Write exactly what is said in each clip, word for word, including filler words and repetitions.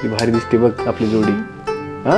कसली भारी दिसते बघ आपली जोडी. हा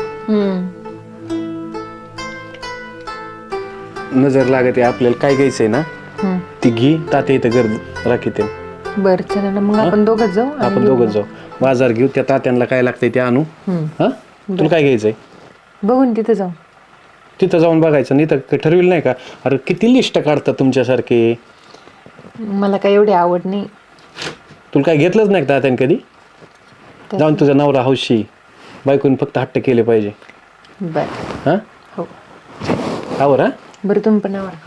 नजर लागते आपल्याला. काय घ्यायचंय ना ती घे. तात्या इथं गर्द राखीते. बर चला ना मग आपण दोघच जाऊ. आपण दोघच जाऊ बाजार घेऊ. त्या तात्यांना काय लागतंय ते आणू. हा तुला काय घ्यायचंय बघून तिथे जाऊ. तिथं जाऊन बघायचं. नाही तर ठरविलं नाही का. अरे किती लिस्ट काढतात तुमच्यासारखे. मला काय एवढी आवड नाही. तुला काय घेतलंच नाही का तात्याने कधी. जाऊन तुझा नवरा हौशी बायकोने फक्त हट्ट केले पाहिजे. बर हा हो आवर. हा बरं तुम्ही पण आवर.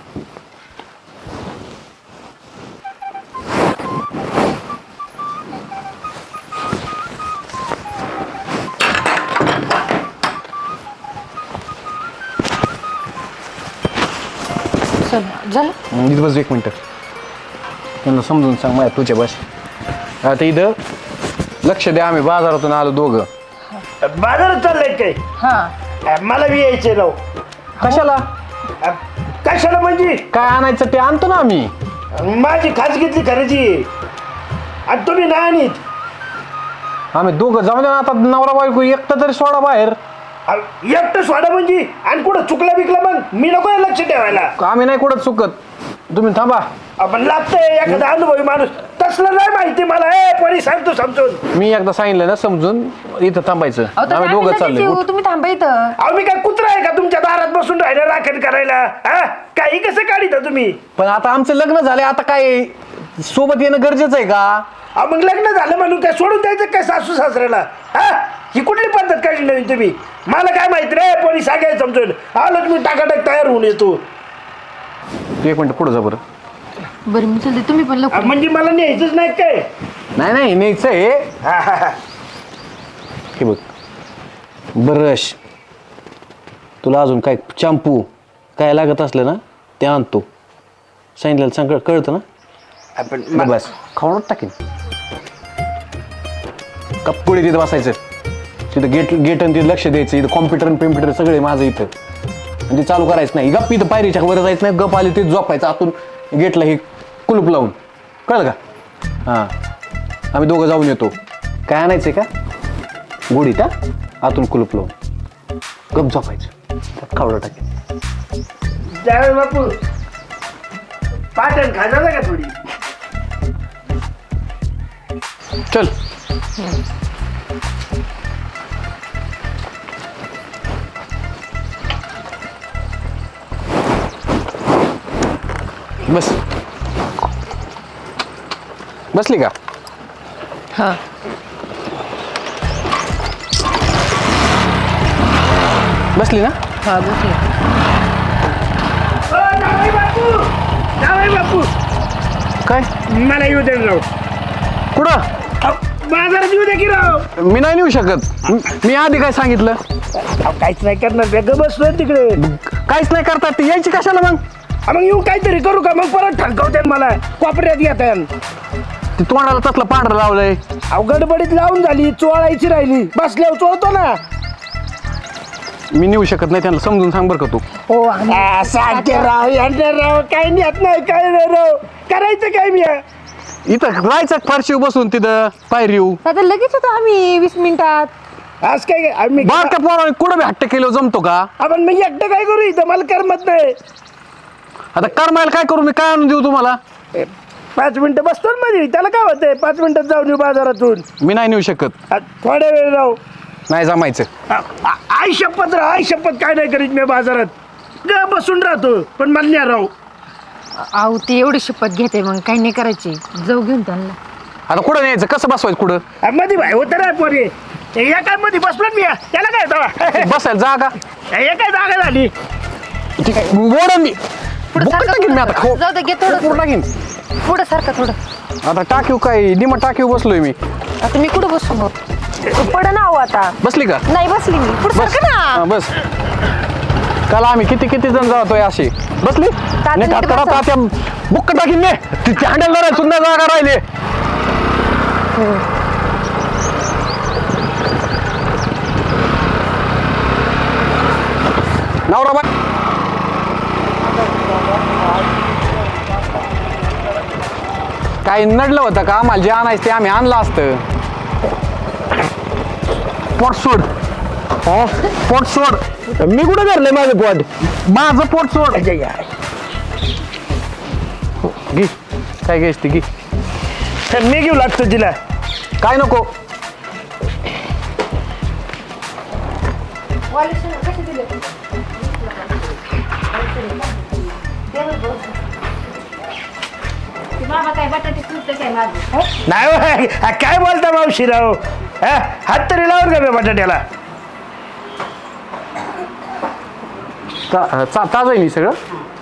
चला झालं. इथं बस एक मिनटं. त्यांना समजून सांग माझ्या तुझ्या बस. आता इथं लक्ष द्या. आम्ही बाजारातून आलो दोघं. बाजारात चाललंय काय. हा मला बी यायचे राव. कशाला कशाला म्हणजे काय आणायचं ते आणतो ना आम्ही. माझी खाजगीतली खरेदी आहे. आणि तुम्ही नाही आणीत. आम्ही दोघं जाऊन द्या ना. आता नवरा बायको एकटं तरी सोडा बाहेर. एकटं सोडा म्हणजे आणि कुठं चुकला बिकला मग मी नको लक्ष ठेवायला. आम्ही नाही कुठं चुकत. तुम्ही थांबा. आपण लागतंय एखादा अनुभवी माणूस. तसलं नाही माहिती मला. ए कोणी सांगतो समजून. मी एकदा सांगितलं ना समजून. इथं थांबायचं. आम्ही दोघं चाललोय. तुम्ही थांबा इथं. अहो मी काय कुत्रा आहे का तुमच्या दारात बसून राहिलं राखण करायला. हा काही कसं काढिता तुम्ही. पण आता आमचं लग्न झालंय. आता काय सोबत येणं गरजेचं आहे का. अहो मग लग्न झालं म्हणून काय सोडून द्यायचं काय सासू सासऱ्याला. हा ही कुठली पद्धत काढली नवीन तुम्ही. मला काय माहिती रे. कोणी सांगायचं समजून. आलं तुम्ही टाकाटाक तयार होऊन येतो. एक मिनिट पुढे जा बरं. बरं मी चलते. तुम्ही पण लवकर. म्हणजे मला न्यायचंच नाही काय. नाही नाही न्यायचं आहे. हे बघ ब्रश तुला अजून काय शॅम्पू काय लागत असलं ना ते आणतो. सांगितलं सांग कळतं ना. आपण बस खाऊनच टाकेन. कपडे तिथं बसायचं. तिथं गेट गेट आणि तिथं लक्ष द्यायचं. इथं कॉम्प्युटर पिम्प्युटर सगळे माझं इथं. आणि ते चालू करायचं नाही. गप इथं पायरीच्या वर जायचं नाही. गप आली ते झोपायचं आतून गेटला हे कुलूप लावून. कळलं का. हां आम्ही दोघं जाऊन येतो. काय आणायचंय का गोडीत. हा आतून कुलूप लावून गप झोपायचं. त्यात खावडं टाकेन. जावे बापू पाटण खाजा का थोडी. चल बस. बसली का. हा बसली ना. हा बसले. जावे बापू जावे बापू काय मला येऊ दे राव. कुठं बाजारात येऊ दे की राव. मी नाही नेऊ शकत. मी आधी काय सांगितलं. अहो, काहीच नाही करणार. वेगळं बसलोय तिकडे. काहीच नाही करतात ते. यायची कशाला मग. हा, मग येऊ काहीतरी करू का. मग परत ठणकावते मला. कोपऱ्यात घेतात. ते तोंडाला तसलं पांढरं लावलंय. अहो गडबडीत लावून झाली. चोळायची राहिली. बसल्यावर चोळतो ना. मी नेऊ शकत नाही. त्यांना समजून सांग बरं का तू. हो सांगते राव यांना राव. काही नाही नाही काय नाही राव. करायचं काय मी. इथं राहायचं फारशी बसून तिथं पायरी येऊ. आता लगेच होतो आम्ही वीस मिनिटात. आज काय आम्ही बारक्या पोराने कुठं बी हट्ट केलं जमतो का. आपण मी एकटं काय करू इथं. मला करमत नाही. आता करमायला काय करू मी. काय आणून देऊ तुम्हाला. पाच मिनिटं बसतो ना मध्ये. त्याला काय होतंय. पाच मिनिटात जाऊन येऊ बाजारातून. मी नाही नेऊ शकत. आ, थोड्या वेळ राहू. नाही जमायचं. आ, आ, आई शपथ राह. आई शपथ काय नाही करीत मी बाजारात. ग बसून राहतो पण मला नाही राहू. आहो ते एवढी शपथ घेते मग काही नाही करायची. जाऊ घेऊन त्यांना. आता कुठं न्यायचं कसं बसवायचं कुठं. आ, मध्ये भाई होतं ना पोरे. या काय मध्ये बसलो मी. त्याला काय तेव्हा. बसायला जागा. हे काय जागा झाली. मोडन मी. पुढं बुक्क सारखं टाकीन मी आता. खाऊ जाऊ दे घे थोडं. पुढं टाकीन. पुढं सारखं थोडं. आता टाकीव काय निम टाकीव बसलोय मी. आता मी कुठं बसू मग. पड ना हो आता. बसली का. नाही बसली मी. पुढं बस सारखं हा, ना. बस. काल आम्ही किती किती जण जातोय अशी. बसली नीट बसा. तात्या बुक्क टाकीन ने. ती हँडल धरायला सुद्धा जागा राहिले. नवरा बा काही नडलं होतं का. आम्हाला जे आणायचं ते आम्ही आणलं असतं. पोट सोड हा पोट सोड मी कुठं धरलंय माझं पोट माझं पोट सोड अच्छा, या. घे काय घ्यायच ती घे मी घेऊ लागतो तिला काय नको बाबा काय बटाटे सुटते काय माझं नाही होय. हा, काय बोलता मावशी राव हा हात तरी लावून का बे बटाट्याला ता- ता- ताजं आहे मी सगळं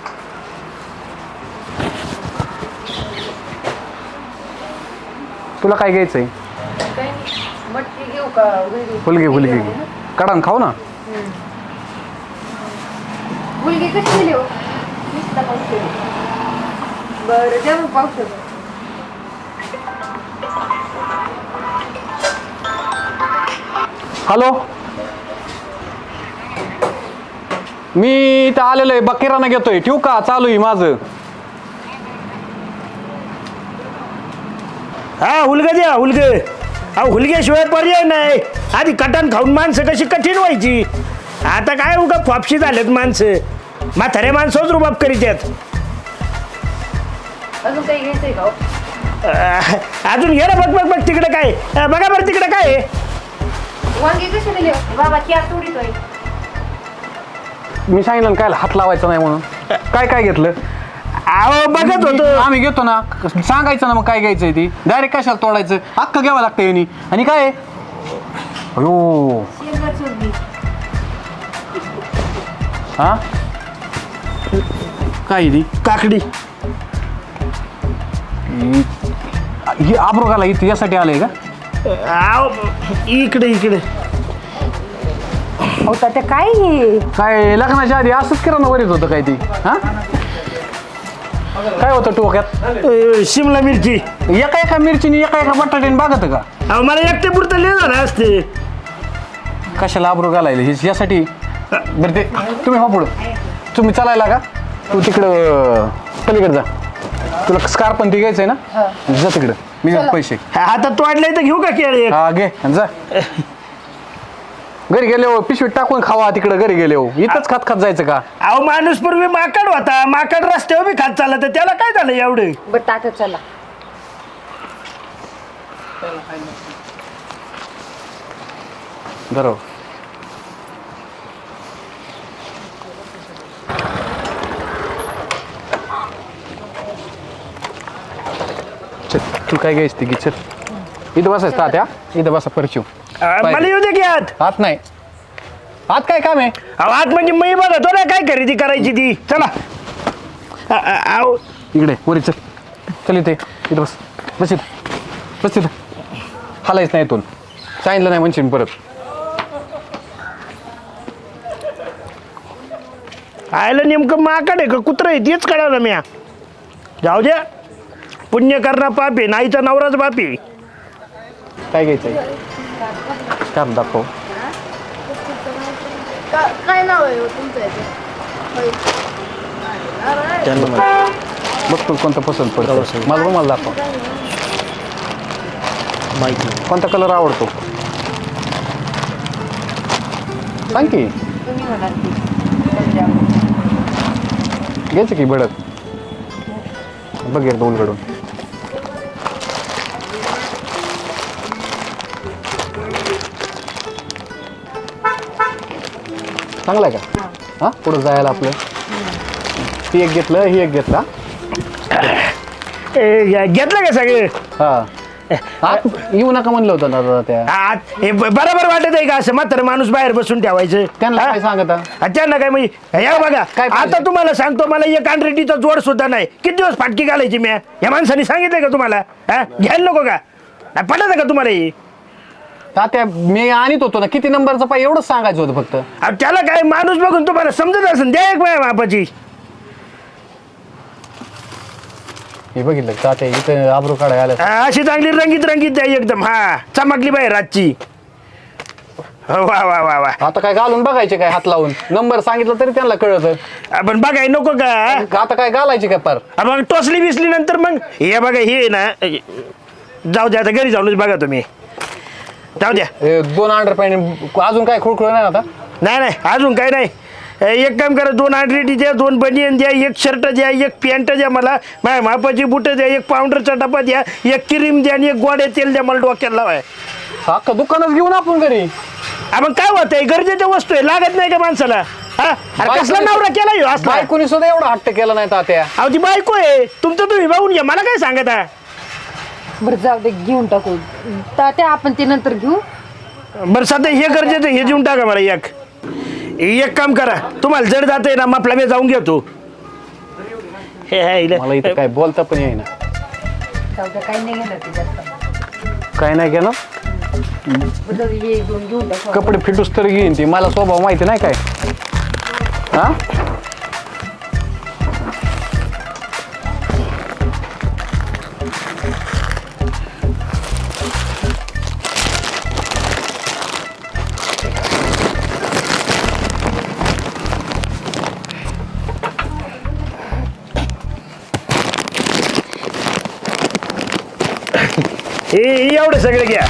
तुला काय घ्यायचंय मटकी घेऊ का फुलगे फुलगे घे काढा खाऊ ना मुलगी कशी दिली हो नुसता पावशे बरं देऊ पावशे हॅलो मी इथं आलेलो आहे बकिराना घेतोय ठेवू का चालू आहे माझं हा हुलग द्या हुलग हा हुलग्याशिवाय पर्याय नाही आधी कटण खाऊन माणसं कशी कठीण व्हायची आता काय उगा फापशी झालेत माणसं म्हातारे माणसंच रुबाब करीत आहेत अजून काही घ्यायचंय का हो? अं, अजून घे ना बघ बघ बघ तिकडे काय अं, बघा बरं तिकडे काय आहे? वांगी कशी दिली हो? बाबा क्या तोडीतोय मी सांगितलं ना काय हात लावायचा नाही म्हणून काय काय घेतलं अहो बघत होतो आम्ही घेतो ना सांगायचं ना मग काय घ्यायचंय ती डायरेक्ट कशाला तोडायचं अख्खं घ्यावं लागतं यांनी आणि काय आहे? अयो शेंगा चोरली हा काय आहे ती काकडी ही- ही आब्रोगाला इथे यासाठी आलंय का अहो इकडे इकडे हो ते काय हे काय लग्नाच्या आधी असंच किराणा वरीत होतं काय ती हा काय होतं टोक्यात अं, शिमला मिरची एका एका मिरचीने एका एका बटाट्याने बागत का अहो मला एकटे पुरतं लिहिलं झालं असते कशाला आब्रो घालायला हे यासाठी बरं ते तुम्ही हा पुढं तुम्ही चालायला का तू तिकडं पलीकडे जा तुला स्कार्प पण ती घ्यायचंय ना जा तिकडं मी देतो पैसे आता तोडलंय तर घेऊ का केळी एक? हा घे आणि जा घरी गेले हो पिशवीत टाकून खावा तिकडं घरी गेले हो इथंच खात खात जायचं का अहो माणूस पूर्वी माकड होता माकड रस्त्यावर बी खात चालला तर त्याला काय झालं एवढं बरं टाका चला बरोबर चल तू काय घ्यायच ती घे चल इथं बसायचं तात्या इथं बसा परचू अं, मला येऊ दे की आत हात नाही हात काय काम आहे अहो आत म्हणजे मी बघतो ना काय खरेदी करायची ती चला अ- अ- अहो इकडे वरी चल चल इथे इथं बस बस इथं बस इथं हालायच नाही इथून सांगितलं नाही म्हणशील परत आयला नेमकं माकड आहे का कुत्रं आहे तेच कळालं म्या जाऊ द्या पुण्य करणं पाप आहे नाहीचा नवराच बाप आहे काय घ्यायचंय काम दाखव काय नाव आहे तुमचं बघ तू कोणतं पसंत पडतं मला बघ मला दाखव माहिती कोणता कलर आवडतो सांग की तुम्ही म्हणाल घ्यायचं की भडक बघ एकदा उलगडून चांगलं आहे का हा पुढं जायला आपलं ती एक घेतलं ही एक घेतला घेतलं का सगळे हा आत येऊ नका म्हणलं होतं ना दादा त्या आत हे ब- बरोबर वाटत आहे का असं मात्र माणूस बाहेर बसून ठेवायचं त्यांना हा? काय सांगता हा, त्यांना काय म्हणजे या बघा काय पाहिजे? आता तुम्हाला सांगतो मला एक अनरेटीचा जोड सुद्धा नाही किती दिवस फाटकी घालायची मी या माणसाने सांगितलंय का तुम्हाला हा घ्यायला नको का नाही पटत का तुम्हाला हे तात्या मी आणत होतो ना किती नंबरचं पाय एवढंच सांगायचं होतं फक्त अहो, त्याला काय माणूस बघून तुम्हाला समजत असेल द्या एक वेळा बापाची हे बघितलं तात्या इथं आबरू काढायला आलं हा, अशी चांगली रंगीत रंगीत द्या एकदम हा चमकली बाहेर रातची हो, वा वा वा वा आता काय घालून बघायचे काय हात लावून नंबर सांगितलं तरी त्यांना कळत आपण बघाय नको का आता काय घालायचे काय पार हा, मग टोचली बिसली नंतर मग हे बघा हे आहे ना जाऊ द्या आता घरी जाऊनच बघा तुम्ही जाऊ द्या. हे दोन अंडर पॅन्ट अजून काय खुळखुळ नाही आता? नाही नाही अजून काही नाही. एक काम करा, दोन आंड्रेटी द्या, दोन बनियन द्या, एक शर्ट द्या, एक पॅन्ट द्या मला, माझ्या मापाची बुटं द्या, एक पावडरचा डबा द्या, एक क्रीम द्या आणि एक गोड्या तेल द्या मला डोक्याला लावाय. अख्खा दुकानच घेऊन आपण घरी. मग काय होत आहे, गरजेच्या वस्तू आहे, लागत नाही का माणसाला? हा अरे कसला नवरा केला ह्यो असला? बायकोनी सुद्धा एवढा हट्ट केला नाही तात्या. अहो ती बायको आहे तुमचं, तुम्ही बघून घ्या, मला काय सांगत आहे? बरं जाऊ दे, घेऊन टाकू तात्या, आपण ते नंतर घेऊ. बरं सध्या हे गरजेचं हे देऊन टाका मला. एक एक काम करा, तुम्हाला जड जाते ना आपला मी जाऊन घेतो. हे हे मला इथं काय बोलता पण येईना. जाऊ द्या, काही नाही घेणार ते जास्त. काय नाही केलं, बरं जाऊ दे, हे दोन घेऊन टाकू. कपडे फिटूस तर घेईन ती. मला स्वभाव माहिती नाही काय. हा हे एवढे सगळे घ्या.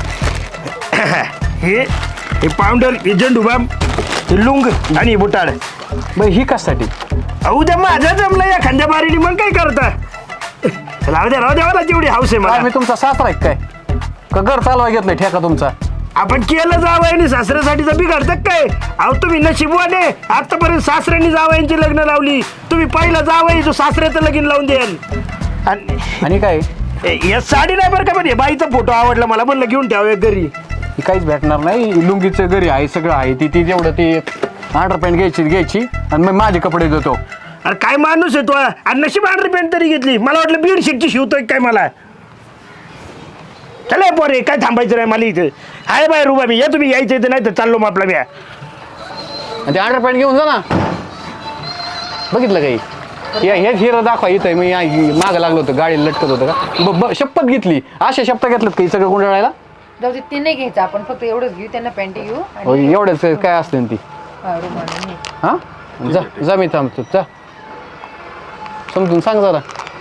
हे हे पावडर, हे झेंडूबाम, हे लुंग आणि बुटाड. बरं ही कशासाठी? उद्या माझ्या जमलं या खांद्या बारीने, मग काय करता? राहू द्या राहू द्या, मला तेवढी हाऊस आहे काय मला. मी तुमचा सासरा आहे काय? का घर चालवा घेतलंय ठेका तुमचा? आपण केलं जावयाने सासऱ्यासाठी तर बिघडतं काय? अहो तुम्ही नशिबवाने, आतापर्यंत सासऱ्यांनी जावयांची लग्न लावली, तुम्ही पहिला जावई जो सासऱ्याचं लगीन लावून द्याल. आणि आणि काय या साडी नाही बरं का, पण हे बाईचा फोटो आवडला मला, म्हणलं घेऊन ठेवा एक घरी. ही काहीच भेटणार नाही. लुंगीचं घरी आहे, सगळं आहे. ती ती तेवढं ती अंडर पॅन्ट घ्यायची घ्यायची आणि मग माझे कपडे देतो. अरे काय माणूस आहे तो, आणि नशीब अंडर पॅन्ट तरी घेतली. मला वाटलं बेडशीटची शिवतोय काय मला. चला पोरे, काय थांबायचं नाही मला इथं. हाय बाय रुबा मी, या तुम्ही यायचं इथं, नाही तर चाललो मग आपला मी. आणि ते अंडर पॅन्ट घेऊन जा ना. बघितलं काही या हे हिरं दाखवा इथं. मी मागं लागलो होतं, गाडी लटकत होतं का. ब- ब- शपथ घेतली, अशा शपथ घेतलं काही सगळं गुंडाळायला. जाऊ दे, ते नाही घ्यायचं आपण, फक्त एवढंच घेऊ. त्यांना पॅन्ट घेऊ हो, आणि एवढंच काय असतं ती. हा, रुमाल आणि हे. हा जा जा, मी थांबतो. जा समजून सांग जरा.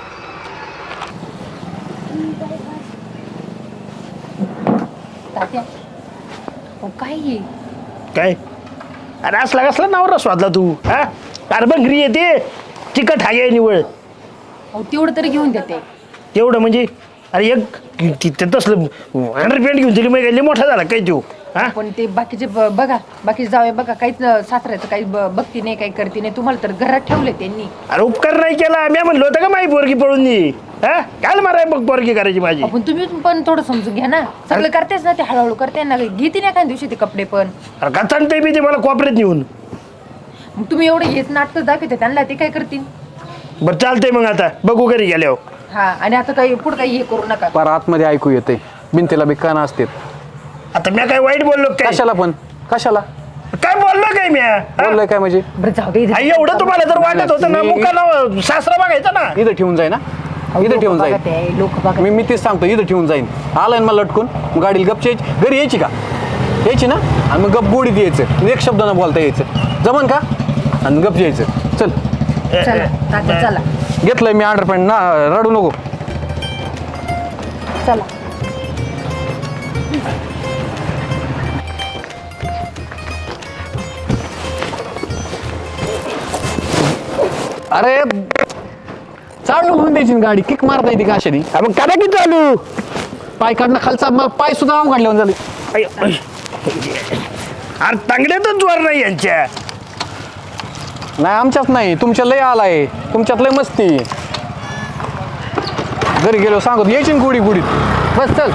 तात्या, अहो, काय हे? काय अरे असला कसला नवरा स्वादला तू? हा अरे बंगरी येते चिकट हागे निवळ. अहो, तेवढं तरी घेऊन देते. तेवढं म्हणजे अरे एक तिथं तसलं अंडर पॅन्ट घेऊन दिली मग मोठा झाला काय तू? हा पण ते बाकीचे ब- बघा, बाकीचे जावे बघा, काहीच अं, सासऱ्याचं काही ब- बघती नाही, काही करते नाही. तुम्हाला तर घरात ठेवले त्यांनी. अरे उपकार नाही केला, मी म्हणलो होतं का माझी पोरगी पळून दे. हा काय माराय मग पोरगी करायची माझी? आपण तुम्ही पण थोडं समजून घ्या ना. सगळं करतेच ना ते, हळूहळू करते ना. घेते ना एखाद्या दिवशी ते कपडे पण. अरे का चालतंय मी ते मला कॉपरेत नेऊन. मग तुम्ही एवढे हेच नाटक दाखवते त्यांना, ते काय करतील? बरं चालतंय मग आता बघू घरी गेल्यावर. हा, आणि आता काही पुढं काही हे करू नका. पर आतमध्ये ऐकू येते, भिंतीला बी कान असते. आता मी काय वाईट बोललो काय? कशाला पण कशाला काय बोललो काय मी? हा? बोललोय काय म्हणजे? बरं जाऊ दे. आई, एवढं तुम्हाला जर वाटत होतं ना, मी- मुकाला सासरा बघायचा ना. इथं ठेवून जाईन ना, इथं ठेवून जाईन. लोक बघा. मी मी तेच सांगतो, इथं ठेवून जाईन. आलाय ना मला लटकून, मग गाडीला गपची यायची. घरी यायची का? यायची ना, आणि मग गप गोडीत यायचं, एक शब्द न बोलता यायचं. जमन का? आणि गप यायचं. चल चला तात्या, चला घेतलंय मी अंडर पॅन्ट ना, रडू नको. चला. अरे चालू म्हणून द्यायची ना गाडी, किक मारता येते का अशाने? मग करा की चालू. पाय काढणं खालचा, मग पाय सुद्धा आव काढल्यावर झाले. आई, आई. अरे तांगड्यातच जोर नाही यांच्या. नाही आमच्यात नाही, तुमच्या लय आलाय, तुमच्यात लय मस्ती. घरी गेलो सांगत यायची ना गोडी गोडीत. बस चल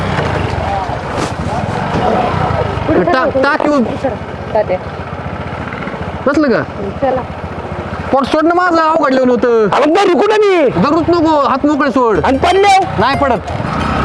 टाक टाक येऊन तात्या, बसलं का? चला. पोट सोडणं माझं अवघडलं होतं. अरे घरी कुठं मी? दररोज नको, हात मोकळे सोड. आणि पडले नाही पडत.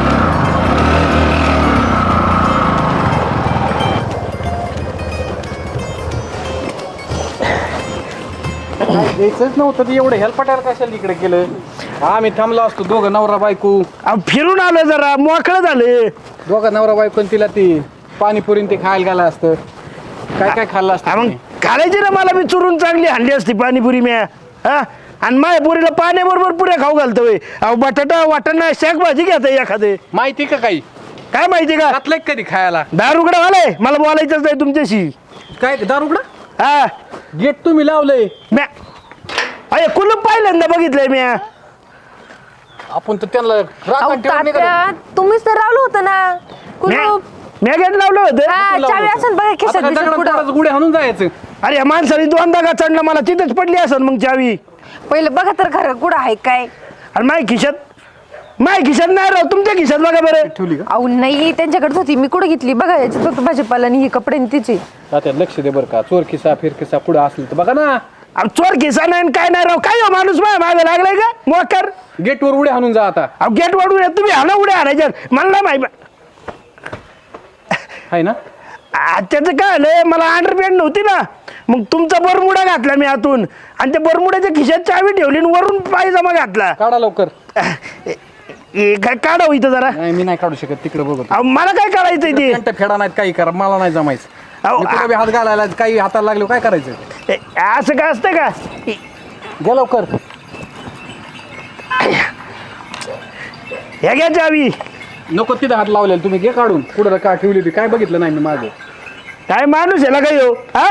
द्यायचंच नव्हतं ते, एवढं हेल्पटायला कशाला इकडे केलं? आम्ही थांबलो असतो दोघं नवरा बायको. फिरून आलो जरा, मोकळं झालं. दोघं नवरा बायको आणि तिला ती पाणीपुरी ते खायला गेला असतं. काय काय खाल्लं हा, असतं मग तुम्ही? घालायची ना मला, मी चुरून चांगली हांडी असती पाणीपुरी म्या. हा आणि माझ्या पुरीला पाण्याबरोबर पुऱ्या खाऊ घालतो. अहो बटाटा वाटाणा शाक भाजी घेता एखादे. माहिती का काही? काय माहिती का घातलंय कधी खायला दारुगडा वालाय मला बोलायचंच नाही तुमच्याशी. काय दारुगडा हा गेट तुम्ही लावलंय म्या अरे कुलूप पहिल्यांदा बघितलंय म्या. आपण तर त्यांना अहो, राखण ठेवून नाही तात्या, करत. तुम्हीच तर रावलं होतं ना कुलूप. म्या गेट लावलं होतं. हा, लावलं चावी होतं. असेल बघा आता खिशात काय बिशात दगडात पुढं. दगडात गुढे हाणून जायचं. अरे या माणसाने दोनदा का चढला मला तिथेच पडली असेल मग चावी. पहिलं बघा तर खरं कुठं आहे काय. आणि माय खिशात माय खिशात नाही राव तुमच्या खिशात बघा बरं. ठेवली का अहो नाही त्यांच्याकडेच होती मी कुठं घेतली बघा याच्यात फक्त भाजीपाला आणि ही कपडे आणि तिचे. तात्या लक्ष दे बरं का चोर खिसा फिर खिसा पुढे असलं तर बघा ना. अहो चोर खिसा नाही आणि काय नाही राव काय हो माणूस माय मागे लागलाय का मोकर. गेटवर उड्या हाणून जा आता अहो गेट वाढून या तुम्ही हाना उड्या हाणायच्या मला नाही माहिती. आहे ना. आ, त्याचं काय आलंय मला अंडरपॅन्ट नव्हती ना मग तुमचा बरमुडा घातला मी आतून आणि त्या बरमुड्याच्या खिशात चावी ठेवली आणि वरून पायजमा घातला. काढा लवकर. हे काय काढावं इथं जरा. नाही मी नाही काढू शकत तिकडे बघतो. अहो मला काय काढायचंय ते. घंटा फेडा नाहीत काही करा मला नाही जमायचं. अहो, मी कुठे बी हात घालायला काही हाताला लागलो काय करायचं. ए, असं काय असतं का घ्या लवकर. हे घ्या चावी. नको तिथे हात लावलेला तुम्ही घे काढून कुठं का ठेवली होती काय बघितलं नाही मी माझं. काय माणूस याला काय हो हा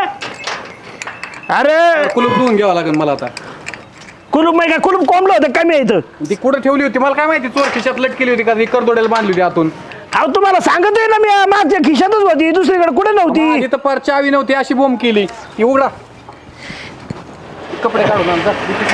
अरे कुलूप धुवून घ्यावं लागेल मला आता. कुलूप माहिती का कुलूप कोंबलं होतं कमी इथं. ती कुठं ठेवली होती मला काय माहिती. चोर खिशात लटकेली होती का ती करदोड्याला बांधली होती आतून. अहो तुम्हाला सांगतोय ना मी माझ्या खिशातच होती दुसरीकडे कुठे नव्हती. तिथं पर चावी नव्हती अशी बोंब केली ती उघडा. कपडे काढून आण जा.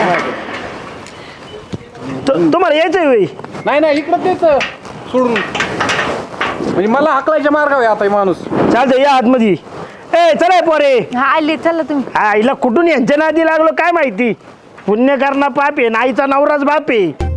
तु- तुम्हाला यायचंय होय. नाही नाही इकडं तेच सोडून म्हणजे मला हाकलायच्या मार्गावर आहे आता हे माणूस. चालतंय या आतमध्ये. ए चला पोरे. हा आले चला तुम्ही. हा हिला कुठून यांच्या नादी लागलो काय माहिती. पुण्य करणं पाप आहे नाईचा नवराच बाप आहे.